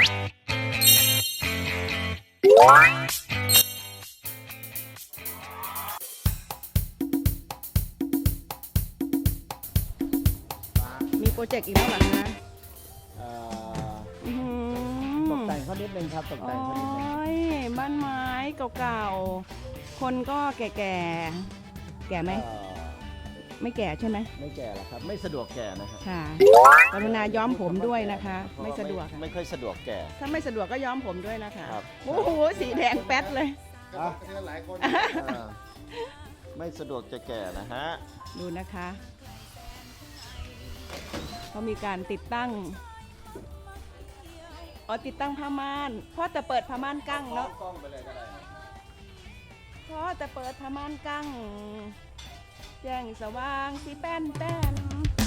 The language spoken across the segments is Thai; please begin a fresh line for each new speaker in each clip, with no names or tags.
มีโปรเจกต์อีกแล้วเหรอคะ
ตกแต่งเขานิดนึงครับตกแต่งเขานิดนึง
โอ้ยบ้านไม้เก่าๆคนก็แก่ๆแก่ไหมไม่แก่ใช่ไหม
ไม่แก่หรอกครับไม่สะดวกแก่นะครับ
ค่ะกรุณาย้อมผมด้วยนะคะ ไม่สะดวกค่ะ
ไม่ค่อยสะดวกแก่
ถ้าไม่สะดวกก็ย้อมผมด้วยนะคะ
ครับ
โอ้โหสีแดงแป๊ดเลย
หลายคน
ไม่สะดวกจะแก่นะฮะ
ดูนะคะเขามีการติดตั้งติดตั้งผ้าม่านเพราะแต่เปิดผ้าม่านกั้งเนาะ
กล้องไปเลยก็ได้
เพราะแต่เปิดผ้าม่านกั้งแจ้งสว่างสีแป้นแป้น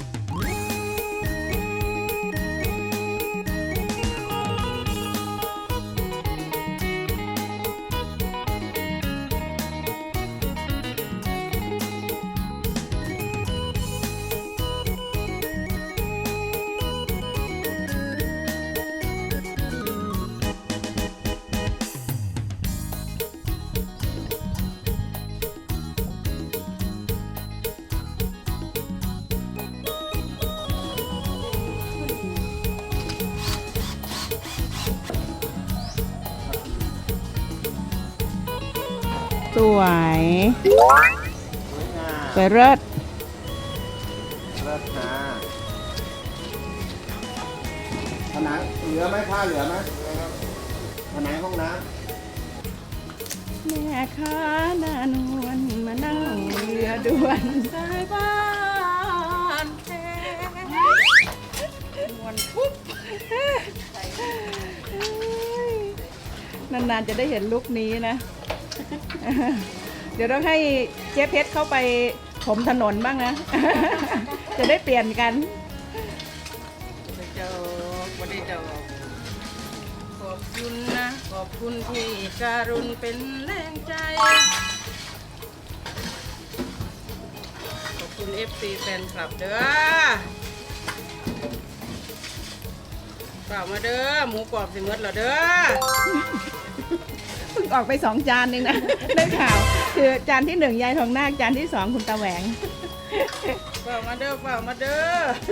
สวยสวยเลิศ
เลิศนะผนังเหลือไหมผ้าเหลือไหมผนังห้องน้ำ
แม่ค้าหน้านวลมานั่งเรือด่วนสายบ้านแท้นวลปุ๊บนานๆจะได้เห็นลุคนี้นะ เดี๋ยวต้องให้เจ๊เพชรเข้าไปถมถนนบ้างนะ จะได้เปลี่ยนกันเจ้าวันนี้เจ้าขอบคุณนะขอบคุณที่การุณเป็นแรงใจขอบคุณ FC แฟนคลับเด้อเปล่ามาเด้อหมูกรอบสิเมดเหรอเด้อเพิ่งออกไป2 จานเองนะ ได้ข่าวคือจานที่1ยายทองนาคจานที่2คุณตาแหวงเปล่ามาเด้อเปล่ามาเด้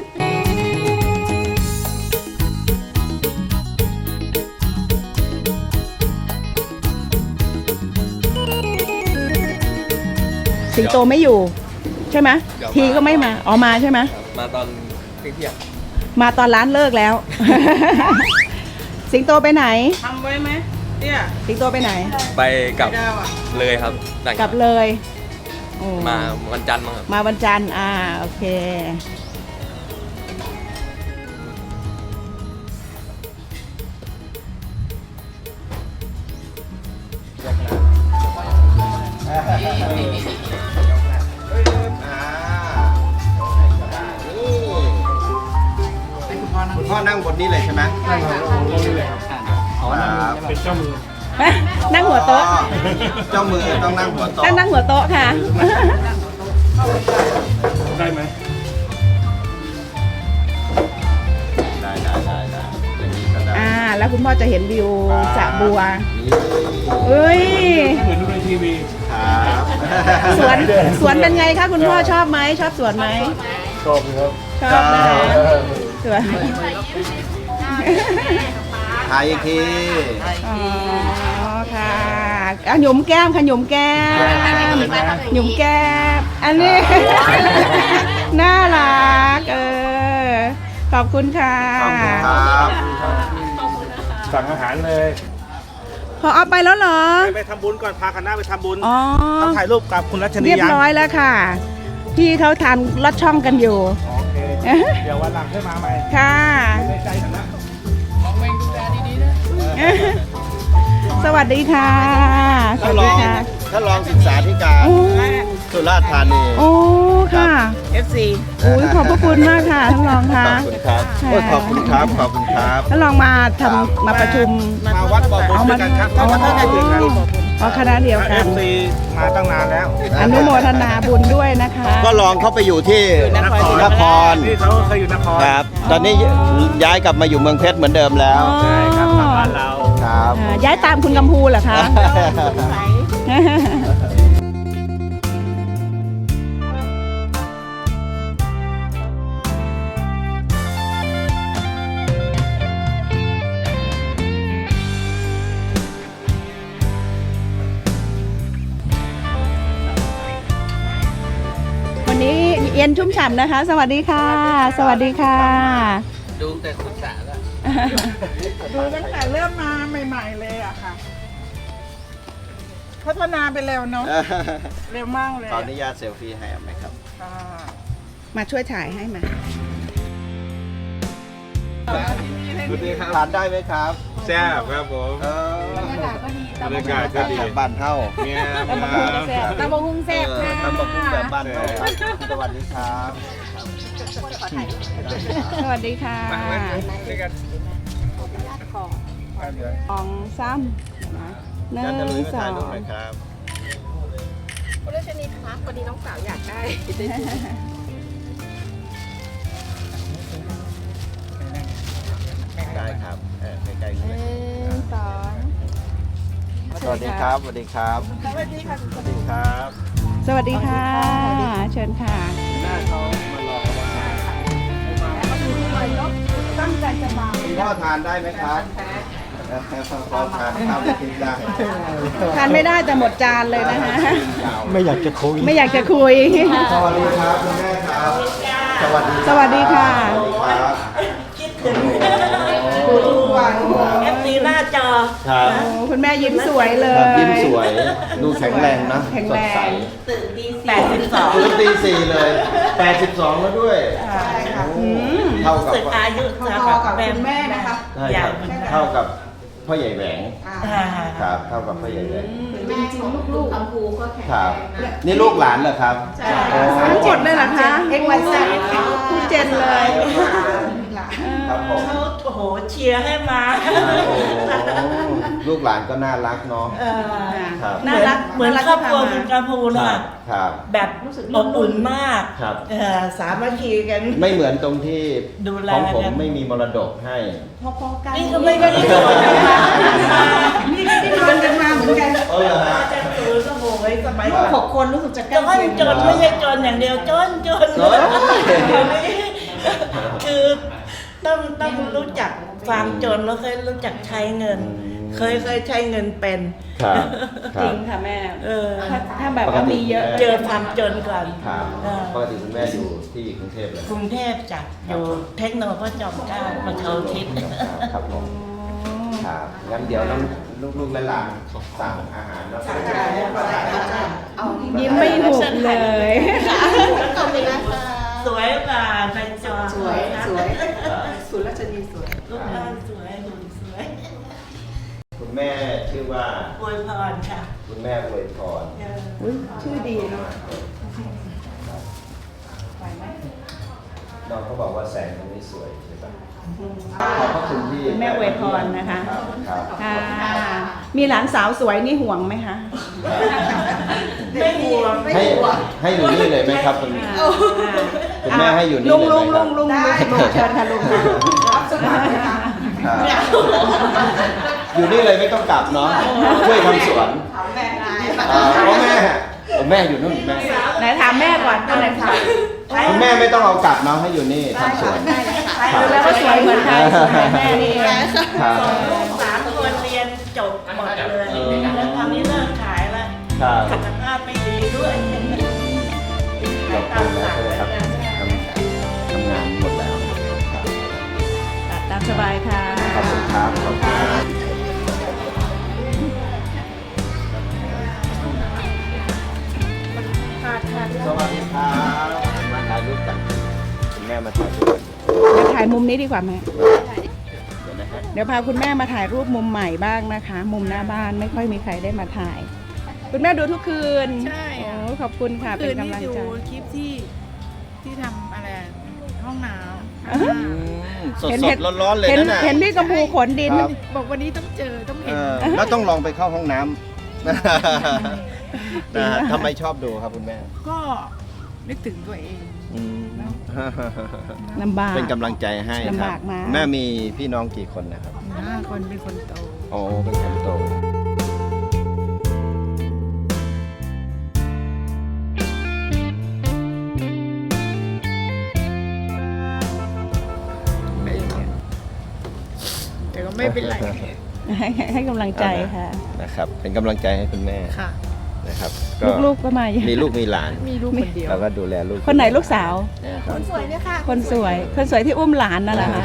อสิงโตไม่อยู่ใช่ไหมทีก็ไม่มามาใช่ไหม
มาตอนเที่ยง
มาตอนร้านเลิกแล้ว สิงโตไปไหนทำไว้ไหมเนี่ยสิงโตไปไหน
ไปกับเลยครับ
กลับเลย
มาวันจันทร์มั้งครับ
มาวันจันทร์โอเค
คุณพ่อนั่งบนนี้เลยใช่ไหมนั่งบนนี้เลยครับ
เป็นเจ้ามือ
นั่งหัวโต๊ะ
เจ้ามือต้องนั่งหัวโต๊ะ
นั่งหัวโต๊ะค่ะ
ได้ไหม
ได้อย่างนี้ก็ได้
แล้วคุณพ่อจะเห็นวิวสระบัวเอ้ย
เหมือนดูในทีวี
ครับ
สวนเป็นไงคะคุณพ่อชอบไหมชอบสวนไหม
ชอบครับ
ชอบนะสวน
ถ่ายอีกที
อ๋อค่ะหยุมแก้มค่ะหยุมแก้มหยุมแก้มอันนี้ น่ารักขอบคุณค่ะ
ขอบคุณครับ
สั่งอาหารเลย
พอเอาไปแล้วเหรอ
ไปทำบุญก่อนพาคณะไปทำบุญ
อ๋อ
ต้องถ่ายรูปกับคุณรัชนี
เรียบร้อยแล้วค่ะพี่เขาทานลอดช่องกันอยู่
โอเคเดี๋ยววันหลังให้มาใหม่
ค่ะ
ในใจคณะ
สวัสดีค่ะสวัสดีค่ะ
ถ้าลองศึกษาธิการ
โอ้
สุราษฎร์ธานี
โอ้ค่ะ FC อุ้ยขอบพระคุณมากค่ะท่านรองค่ะ
ขอบคุณครับขอบคุณครับขอบคุณครับ
ท่านรองมาประชุม
มาวัดบ่อบุญด้วยกันครับ
อ๋อ
ถ้าได้ถึงครับ
อ๋อคณะเดียวกัน
FC มาตั้งนานแล้ว
อนุโมทนาบุญด้วยนะคะ
ก็ลองเข้าไปอยู่ที่นคร
ที่เขาเคยอยู่นคร
ครับ ตอนนี้ย้ายกลับมาอยู่เมืองเพชรเหมือนเดิมแล้ว
ใช่ครับกลับบ้านเรา
ครับ
ย้ายตามคุณกัมพูเหรอคะ วันนี้เย็นชุ่มฉ่ำนะคะ สวัสดีค่ะ สวัสดีค่ะ
ดูแต่คุณสาแล้ว
ดูตั้งแต่เริ่มมาใหม่ๆเลยอะค่ะ พัฒนาไปเร็วเนาะ เร็วมากเลย
ขออนุญาตเซลฟี่ให้ไหมครับ
ค่ะ
มาช่วยถ่ายให้มา
ทานได้ไหมครับ
แซ่บครับผม
บรรยากาศก็ดี
บรรยากาศก็ดี
บ้านเท่า
เนี่ย
ตำบักหุ่งแซ่บค่ะ
ทำบักหุ่งแบบบ้านเท่าสวัสดีครับ
สวัสดีค่ะของซ้ำนะหนึ่
ยันจะลุย
ง
มา
สอ
ถ่าย
ง
รูปหน่อยครับ
คุณรัชนีคะวันนี้น้องสาวอยากได้
ได้ครับใกล้ๆ
ห
เลย
นึ่งสอง
สวัสดีครับ สวัสดีครับ สวัสดีครับ
สวัสดีค่ะ เชิญค่ะ
หน้าเขามารอว่า
ตั้งใจจะมา
คุณพ่อทานได้ไหมครับพ่อทานข้าวทิพย์ได้
ทานไม่ได้แต่หมดจานเลยนะคะ
ไม่อยากจะคุย
ไม่อยากจะคุย
สวัสดีครับคุณแม่ครับ สวัสดี
สวัสดีค่ะ
ครับ
เอฟซีหน้าจอ
ครับ
โอ้คุณแม่ยิ้มสวยเล
ครับ
ย
ยิ้มสวย ดูแข็งแรงนะ
แข็ง
ส
แร
ดใส
ง
ตื่นตี82
ตื่นตี 4 เลย 82 แล้วด้วย เท่ากับ
สึกอายุจะกับแม่นะคะ
ใช่ครับเท่ากับพ่อใหญ่แหวง
อ่า
ครับ เท่ากับพ่อใหญ่แหวง
แม่ของลูกๆกัมพูก็แข็ง
ครับ นี่ลูกหลานเหรอครับโอ้
ทั้งหมดเลยเหรอคะ
XYZ
ทุกเจนเลย
ครับผม
เขาโอ้โหเชียร์ให้มา
โอ้ลูกหลานก็น่ารักเนาะ
เออ
ครับ
น่ารักเหมือนครอบครัวคุณกระพูน
ครั
ค่ะ
บครับ
แบบอบอุ่นมาก
ครับ
สามัคคีกัน
ไม่เหมือนตรงที่
ดูแล
ของผม
กัน
ไม่มีมรดกให้
นี่ก็ไม่ได้โดนนะคะ
นี่ชวนกันมาเหมือนกัน
เออฮะ
อาจารย์ตูนก็โวยสมัย
ลูก6 คนรู้สึกจะใกล้
จน
เคียง
จนไม่ใช่จนอย่างเดียวจน
โอ้ย
คือต้องรู้จักความจนแล้วเคยรู้จักใช้เงิน เคยใช้เงินเป็น
ครับค
จ
รั
ริ
บ
งค่ะแม่
เออ
ถ้าแบบว่ามีเยอะ
เจอความจนก่อน
ครับ
เออ
ปกติคุณแม่อยู่ที่กรุงเทพเลย
กรุงเทพจ้ะอยู่เทคโนโลยีจอมเกล้ามาเขาทิศ
ครับผมครับงั้นเดี๋ยวน้องลูกๆและหลานสั่งอาหารแล้วก็
ยิ้มไม่หุบเลย
สวยกว่าในจอ
สวยสุรัชนีสวย
รูปร่างสวยหุ่นสวย
คุณแม่ชื่อว่า
อวยพรค่ะ
คุณแม่อวยพร
เออ
อุ๊ยชื่อดีเนาะ
น้องเขาบอกว่าแสงตรงนี้สวยใช่ปะขอบพระคุณที่
คุณแม่อวยพรนะคะ
ครับ
ค่ะ มีหลานสาวสวยนี่ห่วงไหมคะ
ไม่ห่วง
ให้อยู่นี่เลยไหมครับคุณคุณแม่ให้อยู่นี่
ลุง
เลย
ลุง
ไหม
ลุ
ค
ง
รับ
ลุงลุงเชิญค่ะลุงค่ะ
ครับอยู่นี่เลยไม่ต้องกลับเนาะช่วยทำสวนพ่อแม่แม่อยู่นู่นแม่
ไหนถามแม่ก่อนอันไหนถาม
คุณแม่ไม่ต้องเอากลับเนาะให้อยู่นี่ทำสวน
ดูแล้วก็สวยเหมือนใครสวยแม่นี่เอง
ครับ
ลูก3 คนเรียนจบหมดเลยแล้วตอนนี้เลิกขายแล้ว
ครับ
สุขภาพไม่ดีด้วย
ขอบคุณนะใช่ไหมครับทำงานหมดแล้วครับ
ตัดตามสบายค่ะ
ขอบคุณครับขอบคุณครับสวัสดีครับมาถ่ายรูปกันคุณแม่มาถ่ายรูปกัน
เดี๋ยวถ่ายมุมนี้ดีกว่าแม่
เดี๋ยวนะฮะ
เดี๋ยวพาคุณแม่มาถ่ายรูปมุมใหม่บ้างนะคะ มุมหน้าบ้านไม่ค่อยมีใครได้มาถ่าย คุณแม่ดูทุกคืน
ใช่
โอ้ขอบคุณค่ะ เป็นกำลังใจ
คลิปที่ทำอะไรห้องน้
สดๆร้อนๆเลย
เห็น
นั่นน่ะ
เห็นพี่กัมพูขนดิน
ครับ
ำบอกวันนี้ต้องเจอต้องเห็น
แล้วต้องลองไปเข้าห้องน้ำนะฮะทำไมชอบดูครับคุณแม่
ก็นึกถึงตัวเอง
อืม
ลำบาก
เป็นกำลังใจให้ค
ลำ
รับบ
ากมาก
แม่มีพี่น้องกี่คนนะครับ
5 คนเป็นคนโต
โอ้เป็นคนโตไม่
แต่ก็ไม่เป็นไร
ให้กำลังใจค่ะ
นะครับ เป็นกำลังใจให้คุณแม่
ค่ะ
นะครับ
ลูกๆก็มาอยู่
มีลูกมีหลาน
มีลูกคนเดียว
เราก็ดูแลลูก
คนไหนลูกสาว
คนสวยเนี่ยค่ะ
คนสวย คนสวยที่อุ้มหลานนั่นแหละค่ะ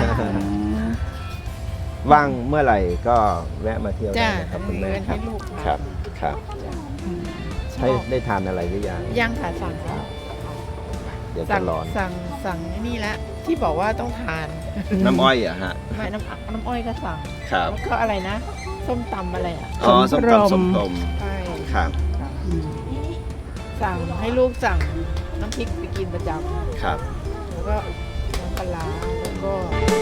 ว่างเมื่อไหร่ก็แวะมาเที่ยวได้
จ้า
นะครับคุณ
มี
แม่
เงิน
ครั
ให้
บ
ลูก
ครับครับให้ได้ทานอะไรหรือยัง
ยังค่ะสั่งแล้ว
เดี๋ยว
สั่
จะ
ง
ร้อน
สั่งนี่แล้วที่บอกว่าต้องทาน
น้ำอ้อยอะฮะ
ไม่น้ำอ้อยก็สั่ง
ครับ
แล้วก็อะไรนะ ส้มตำอะไรอ่ะ
อ๋อส้มตำส้มตม
ใช่
ครับ
สั่งให้ลูกสั่งน้ำพริกไปกินประจ
ครับ
ำแล้วก็น้ำปลาร้าแล้วก็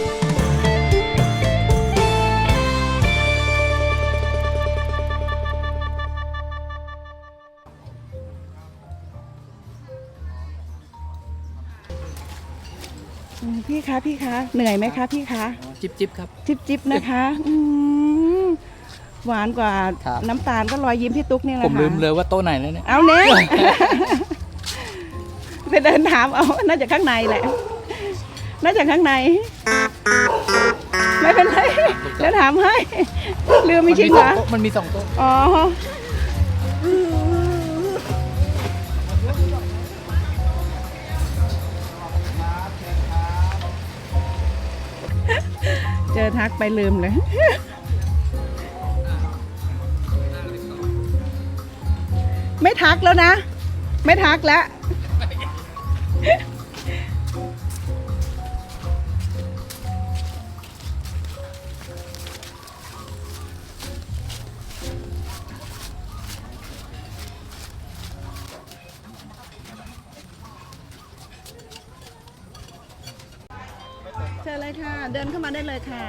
พี่คะพี่คะเหนื่อยไหมคะพี่คะ
จิบจิบครับ
จิบจิบนะคะมหวานกว่า
ครับ
น้ำตาลก็รอยยิ้มพี่ตุ๊กนี่แหละ
ผม
ค่ะ
ลืมเลยว่าโต๊ะไหนแล้วเนี่ย
เอาเน่ไปเดินถามเอาน่าจะข้างในแหละ น่าจะข้างใน ไม่เป็นไรแล้วถามให้ลืมไม่จริงเหรอ
มันมี2 โต๊ะ
อ๋อเจอทักไปลืมเลย ไม่ทักแล้วนะ ไม่ทักแล้ว เชิญเลยค่ะ เดินเข้ามาได้เลยค่ะ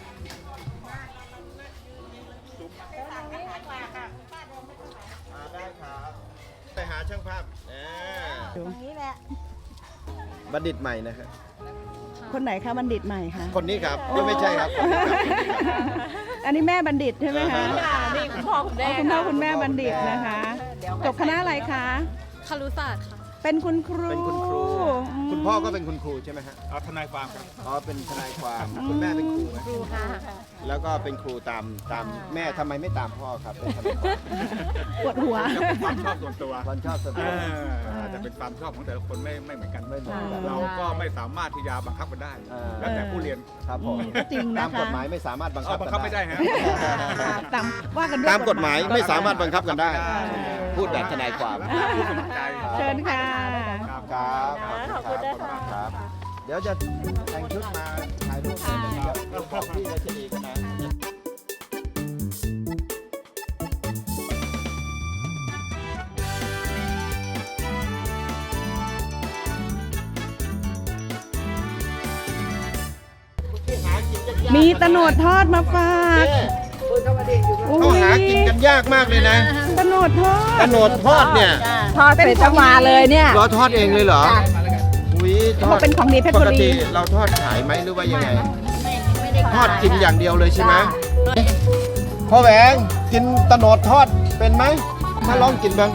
ได้ครับไปหาช่างภาพ
ตรงนี้แหละ
บัณฑิตใหม่นะฮะ
คนไหนคะบัณฑิตใหม่คะ
คนนี้ครับไม่ใช่ครับคนนี้ครับ
อันนี้แม่บัณฑิตใช่ไหมคะ
นี่คุณพ่อคุณแม่
อ๋อคุณพ่อคุณแม่บัณฑิตนะคะจบคณะอะไรคะ
คารุศาสตร์ค่ะ
เป็นคุณครู
เป็นคุณครู
อืม
คุณพ่อก็เป็นคุณครูใช่ไหมฮะ
เอาทนายความครับ
อ๋อเป็นทนายความคุณแม่เป็นครูไหม
ครูค่ะ
แล้วก็เป็นครูตามแม่ทำไมไม่ตามพ่อครับเป็นทนายความ
ปวดหัว
ความชอบส่วนตัว
คนชอบสบาย
อาจจะเป็นความชอบของแต่ละคนไม่เหมือนกัน
ไม่เหมือนกัน
เราก็ไม่สามารถที่จะบังคับกันได้ แล้วแต่ผู้เรียน
ครับผม
จริงนะคะ
ตามกฎหมายไม่สามารถบังคั
เอา
บ
บัง
กัน
คับไม่ได้ฮะ
ตามว่ากันด้วย
ตามกฎหมายไม่สามารถบังคับกันได้ พูดแบบทนายความ
ผู้สมัครใจ
เชิญค่ะ
ครับ
ครับขอบคุณครับ เดี๋ยวจะแต่งชุดมาถ่ายรูปกันนะครับเดี๋ยวบอกพี่รัชนีกันนะ
มีตะโนดทอดมาฝากโอ้
เขา
ย
หากินกันยากมากเลยนะ
ตะโนดทอด
กระโหนดทอดเนี่ย
ทอดเป็นของมาเลยเนี่ย
เราทอดเองเลยเหรออุ้ยทอด
เป็นของดีเพชร
ป
บุ
ก
รี
ติเราทอดขายไหมหรือว่ายังไง ทอดกินอย่างเดียวเลยใช่ไหมพ่อแหวงกินตะโหนดทอดเป็นไหมมาลองกินบ้าง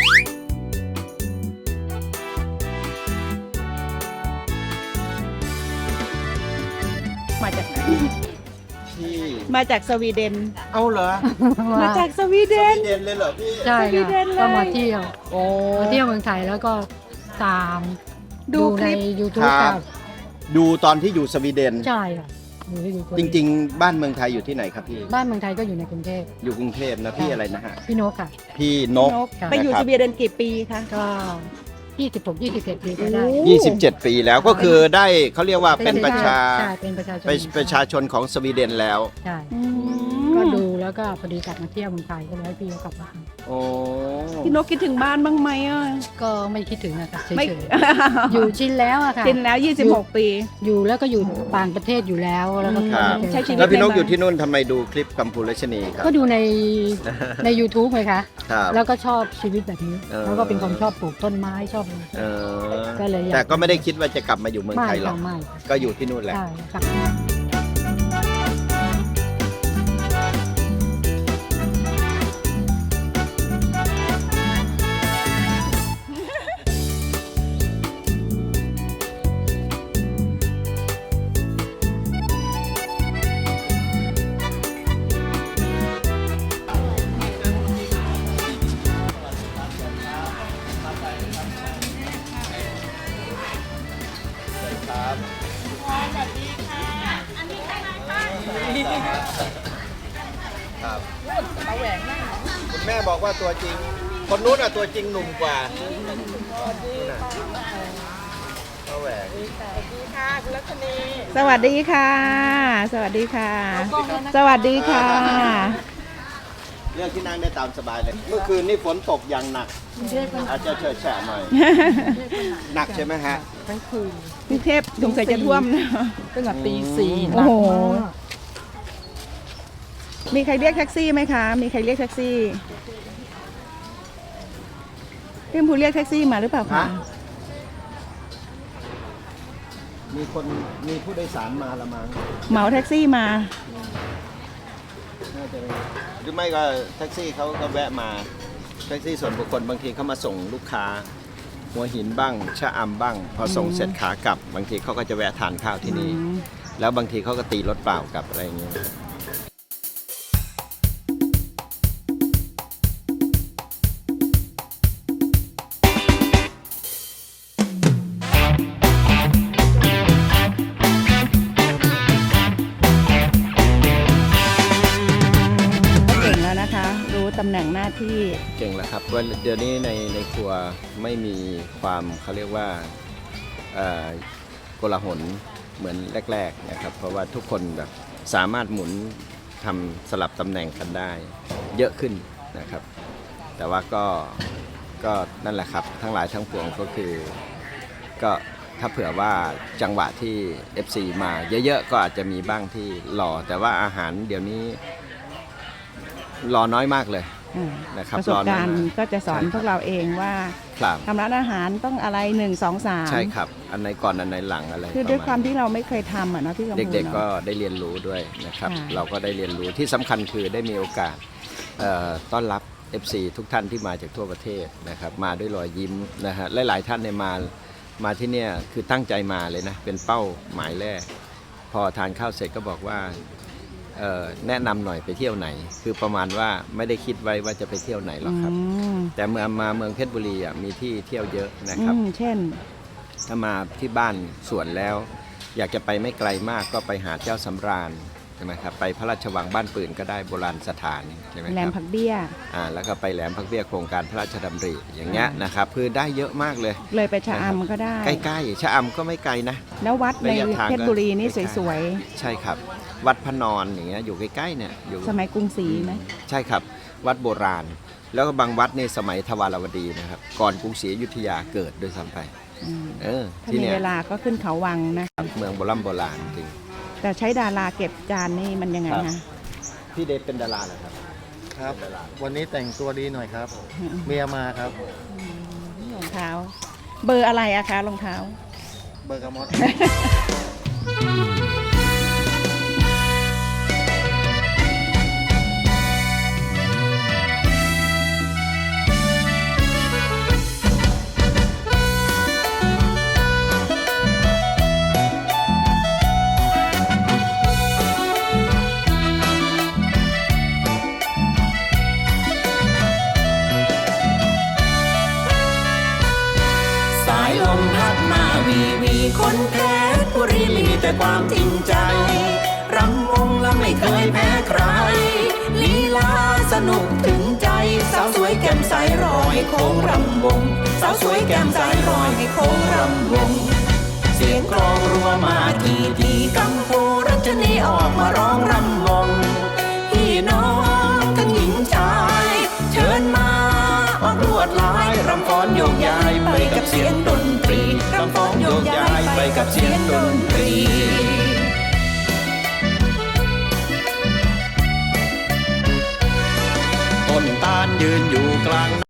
มาจากไหน
ที่
มาจากสวีเดน
เอาเหรอ
มาจากสวีเดน
ที่เด่นเลยเหรอพี่
ใช่
สวีเด
ค่ะ
นเลย
ก็มาเที่ยว
โอ้
มาเที่ยวเมืองไทยแล้วก็ตาม
ดูค
ใน
ลิป
YouTube
ครั
ค่ะ
บ ดูตอนที่อยู่สวีเดน
ใช่ค่ะอยู่ใน YouTube
จริง ๆ บ้านเมืองไทยอยู่ที่ไหนครับพี่
บ้านเมืองไทยก็อยู่ในกรุงเทพ
อยู่กรุงเทพนะพี่อะไรนะฮะ
พี่นกค่ะ
พี่นก
ไปอยู่
นะครับ
สวีเดนกี่ปีคะ
ก็26-27 ปีก็ได้
27 ปีแล้วก็คือได้เขาเรียกว่าเป็นประชา
ใช่เป็นประชาชน
เป็นประชาชนของสวีเดนแล้ว
ใช่
อื
ก็
ม
ดูแล้วแล้วก็พอดีกลับมาเที่ยวเมืองไทยก็เลยให้พี่เขากลับมา
โอ้
พี่นกคิดถึงบ้านบ้างไหมอ่ะ
ก็ไม่คิดถึงนะคะเฉ
ไม่
ยๆอยู่ชินแล้วอะค่ะ
ชินแล้ว 26 ปี
อยู่แล้วก็อยู่ต่างประเทศอยู่แล้วแล้วก็
ครับ
ใช้ชีวิต
แล้วพี่นกอยู่ที่นู่นทำไมดูคลิปกัมพูรัชนีครับ
ก็ดูใน YouTube ไงคะ
ครับ
แล้วก็ชอบชีวิตแบบนี้
เออ
แล้วก็เป็นคนชอบปลูกต้นไม้ชอบอะไร
เออ
ก็เลยอยาก
แต่ก็ไม่ได้คิดว่าจะกลับมาอยู่เมืองไทยหรอก
ไม่
ก็อยู่ที่นู่นแหละ
ใช่ค่ะ
ครับคุณแม่บอกว่าตัวจริง คนนู้นอ่ะตัวจริงหนุ่มกว่านู่นน่ะป้าแหวง
สวัสดีค่ะ สวัสดีค่ะ สวัสดีค่ะ
เรื่องที่นั่งได้ตามสบายเลย เมื่อคืนนี่ฝนตกอย่างหนัก อาจจะเฉอะแฉะหน่อย หนักใช่ไหมฮะ
ทั้งคืน
กรุงเทพสงสัยจะท่วมนะ
ตั้งแต่ตีสี่
โอ้โห มีใครเรียกแท็กซี่ไหมคะ มีใครเรียกแท็กซี่พี่ชมพูเรียกแท็กซี่มาหรือเปล่าคะ
ฮะ มีผู้โดยสารมาละมั้ง
เหมาแท็กซี่มา
น่าจะเป็นหรือไม่ก็แท็กซี่เขาก็แวะมา แท็กซี่ส่วนบุคคลบางทีเขามาส่งลูกค้า หัวหินบ้าง ชะอำบ้าง พอส่งเสร็จขากลับ บางทีเขาก็จะแวะทานข้าวที่นี่ แล้วบางทีเขาก็ตีรถเปล่ากลับอะไรอย่างเงี้ย
เก่งแล้วนะคะ รู้ตำแหน่งหน้าที่
เก่งแล้วครับว่าเดี๋ยวนี้ในครัวไม่มีความเขาเรียกว่าโกลาหลเหมือนแรกๆนะครับ เพราะว่าทุกคนแบบสามารถหมุนทำสลับตำแหน่งกันได้ เยอะขึ้นนะครับ แต่ว่าก็นั่นแหละครับ ทั้งหลายทั้งปวงก็คือก็ถ้าเผื่อว่าจังหวะที่ FC มาเยอะๆก็อาจจะมีบ้างที่รอแต่ว่าอาหารเดี๋ยวนี้รอน้อยมากเลย นะครับ
ประสบการณ์ก็จะสอน
ใช่ครับ
พวกเราเองว่า
ครับ
ทำร้านอาหารต้องอะไร 1 2 3
ใช่ครับ อันไหนก่อนอันไหนหลังอะไร
คือด้วยความที่เราไม่เคยทำอ่ะเนาะพี่กำพู
เด็กๆก็
เนาะ
ได้เรียนรู้ด้วยนะครับ
ค่ะ
เราก็ได้เรียนรู้ที่สำคัญคือได้มีโอกาสต้อนรับ FC ทุกท่านที่มาจากทั่วประเทศนะครับมาด้วยรอยยิ้มนะฮะหลายๆท่านเนี่ยมาที่เนี่ยคือตั้งใจมาเลยนะเป็นเป้าหมายแรก พอทานข้าวเสร็จก็บอกว่าแนะนำหน่อยไปเที่ยวไหน คือประมาณว่าไม่ได้คิดไว้ว่าจะไปเที่ยวไหนหรอกครับ แต่เมื่อมาเมืองเพชรบุรีอ่ะมีที่เที่ยวเยอะนะครับ
เช่น
ถ้ามาที่บ้านสวนแล้ว อยากจะไปไม่ไกลมากก็ไปหาเจ้าสำราญใช่ไหมครับไปพระราชวังบ้านปืนก็ได้โบราณสถานใช่ไหม
แหล
ค
ม
รับ
ผักเบี้ย
แล้วก็ไปแหลมพักเบี้ยโครงการพระราชดำริอย่างเงี้ยนะครับคือได้เยอะมากเลย
เลยไปชะอำก็ได้
ใกล้ๆชะอำก็ไม่ไกลนะ
แล้ววัดใน
ระยะทางก็
เพชรบุรีนี่
ใกล้ๆ
สวย
ใช่ครับ วัดพระนอนอย่างเงี้ยอยู่ใกล้ๆเนี่ยอยู่
ๆ สมัยกรุงศรีไหม
ใช่ครับวัดโบราณ แล้วก็บางวัดในสมัยทวารวดีนะครับก่อนกรุงศรีอยุธยาเกิดด้วยซ้ำไป
อืม ถ้า
ที่
มี
เนี่ย
เวลาก็ขึ้นเขาวังนะ
เมืองโบราณจริง
แต่ใช้ดาราเก็บจานนี่มันยังไง
ครับ
คะ
พี่เดชเป็นดาราเหรอครับ
ครับ วันนี้แต่งตัวดีหน่อยครับ เมียมาครับ
รองเท้า เบอร์อะไรอะคะรองเท้า
เบอร์กามอส
สายลมพัดมาวีวีคนเพชรบุรีมีแต่ความจริงใจ รำวงและไม่เคยแพ้ใคร ลีลาสนุกถึงใจ สาวสวยแก้มใสรอยโค้งรำวง สาวสวยแก้มใสรอยให้โค้งรำวง เสียงกลองรัวมาทีกัมพูรัชนีออกมาร้องรำวง พี่น้องไปกับเสียงดนตรีรำฟ้องโยกย้ายไปกับเสียงดนตรีต้นตาลยืนอยู่กลาง